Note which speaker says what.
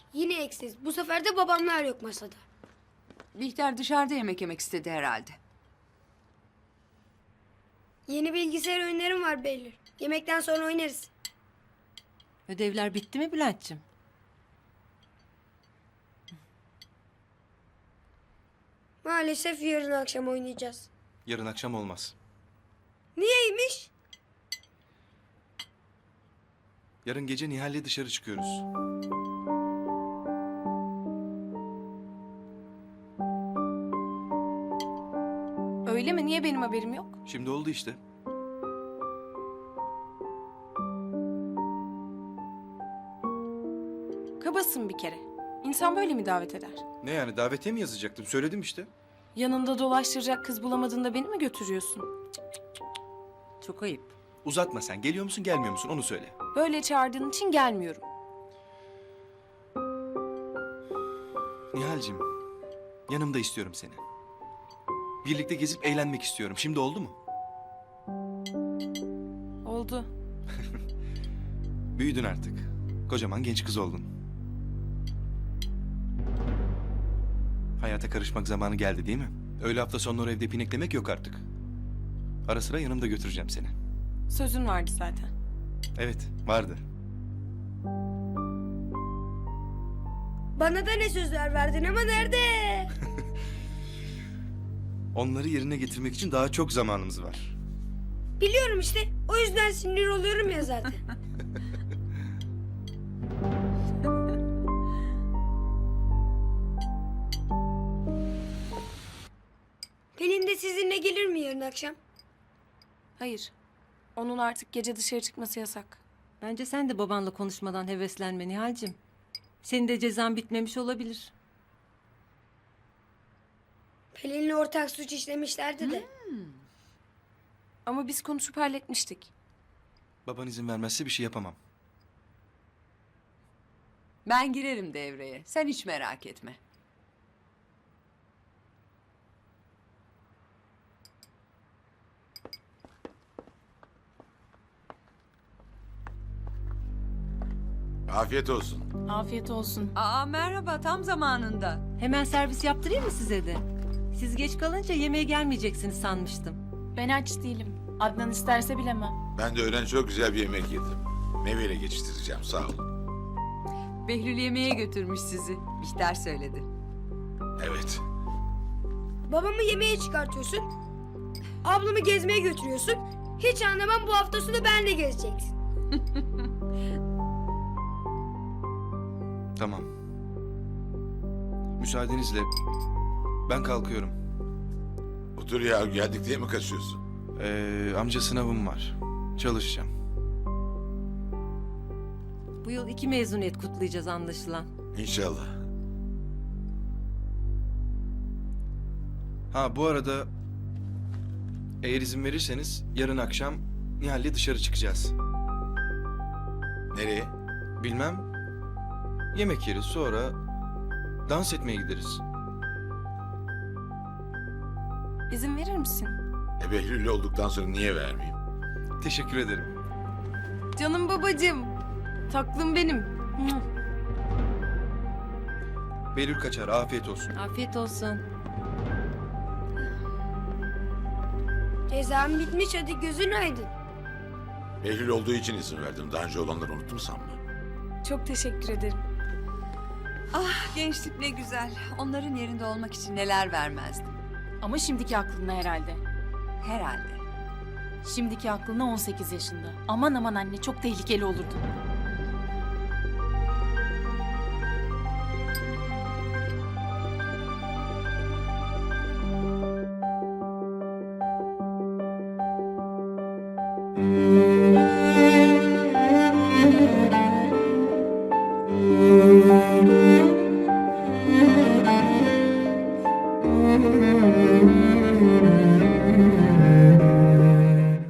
Speaker 1: Yine eksiz. Bu sefer de babamlar yok masada.
Speaker 2: Bihter dışarıda yemek yemek istedi herhalde.
Speaker 1: Yeni bilgisayar oyunlarım var Behlül. Yemekten sonra oynarız.
Speaker 3: Ödevler bitti mi Bülent'ciğim?
Speaker 1: Maalesef yarın akşam oynayacağız.
Speaker 4: Yarın akşam olmaz.
Speaker 1: Niyeymiş?
Speaker 4: Yarın gece Nihal'le dışarı çıkıyoruz.
Speaker 5: Öyle mi? Niye benim haberim yok?
Speaker 4: Şimdi oldu işte.
Speaker 5: Kabasın bir kere. İnsan böyle mi davet eder?
Speaker 4: Ne yani, davetiye mi yazacaktım? Söyledim işte.
Speaker 5: Yanında dolaştıracak kız bulamadığında beni mi götürüyorsun?
Speaker 3: Çok ayıp.
Speaker 4: Uzatma sen. Geliyor musun gelmiyor musun onu söyle.
Speaker 5: Böyle çağırdığın için gelmiyorum.
Speaker 4: Nihal'cim, yanımda istiyorum seni. Birlikte gezip eğlenmek istiyorum. Şimdi oldu mu?
Speaker 5: Oldu.
Speaker 4: Büyüdün artık. Kocaman genç kız oldun. Hayata karışmak zamanı geldi değil mi? Öyle hafta sonları evde pineklemek yok artık. Ara sıra yanımda götüreceğim seni.
Speaker 5: Sözün vardı zaten.
Speaker 4: Evet, vardı.
Speaker 1: Bana da ne sözler verdin ama nerede?
Speaker 4: Onları yerine getirmek için daha çok zamanımız var.
Speaker 1: Biliyorum işte. O yüzden sinir oluyorum ya zaten. Pelin de sizinle gelir mi yarın akşam?
Speaker 5: Hayır. Onun artık gece dışarı çıkması yasak.
Speaker 3: Bence sen de babanla konuşmadan heveslenme Nihal'cim. Senin de cezan bitmemiş olabilir.
Speaker 1: Pelin'le ortak suç işlemişlerdi de.
Speaker 5: Ama biz konuşup halletmiştik.
Speaker 4: Baban izin vermezse bir şey yapamam.
Speaker 2: Ben girerim devreye. Sen hiç merak etme.
Speaker 6: Afiyet olsun.
Speaker 5: Afiyet olsun.
Speaker 2: Aa merhaba, tam zamanında.
Speaker 3: Hemen servis yaptırayım mı size de? Siz geç kalınca yemeğe gelmeyeceksiniz sanmıştım.
Speaker 5: Ben aç değilim. Adnan isterse bilemem.
Speaker 6: Ben de öğlen çok güzel bir yemek yedim. Meyveyle geçiştireceğim, sağ ol.
Speaker 2: Behlül yemeğe götürmüş sizi. Bihter söyledi.
Speaker 6: Evet.
Speaker 1: Babamı yemeğe çıkartıyorsun. Ablamı gezmeye götürüyorsun. Hiç anlamam, bu hafta sonu benle gezeceksin.
Speaker 4: Tamam. Müsaadenizle ben kalkıyorum.
Speaker 6: Otur ya, geldik diye mi kaçıyorsun?
Speaker 4: Amca sınavım var. Çalışacağım.
Speaker 3: Bu yıl 2 mezuniyet kutlayacağız anlaşılan.
Speaker 6: İnşallah.
Speaker 4: Ha bu arada eğer izin verirseniz yarın akşam Nihal'le dışarı çıkacağız.
Speaker 6: Nereye?
Speaker 4: Bilmem. Yemek yeriz, sonra dans etmeye gideriz.
Speaker 5: İzin verir misin?
Speaker 6: Behlül'le olduktan sonra niye vermeyeyim?
Speaker 4: Teşekkür ederim.
Speaker 5: Canım babacığım. Taklım benim.
Speaker 4: Behlül kaçar, afiyet olsun.
Speaker 3: Afiyet olsun.
Speaker 1: Cezam bitmiş, hadi gözün aydın.
Speaker 6: Behlül olduğu için izin verdim. Daha önce olanları unuttum sanma.
Speaker 5: Çok teşekkür ederim.
Speaker 2: Ah gençlik ne güzel. Onların yerinde olmak için neler vermezdim.
Speaker 7: Ama şimdiki aklına herhalde.
Speaker 2: Herhalde.
Speaker 7: Şimdiki aklına 18 yaşında. Aman aman anne, çok tehlikeli olurdu.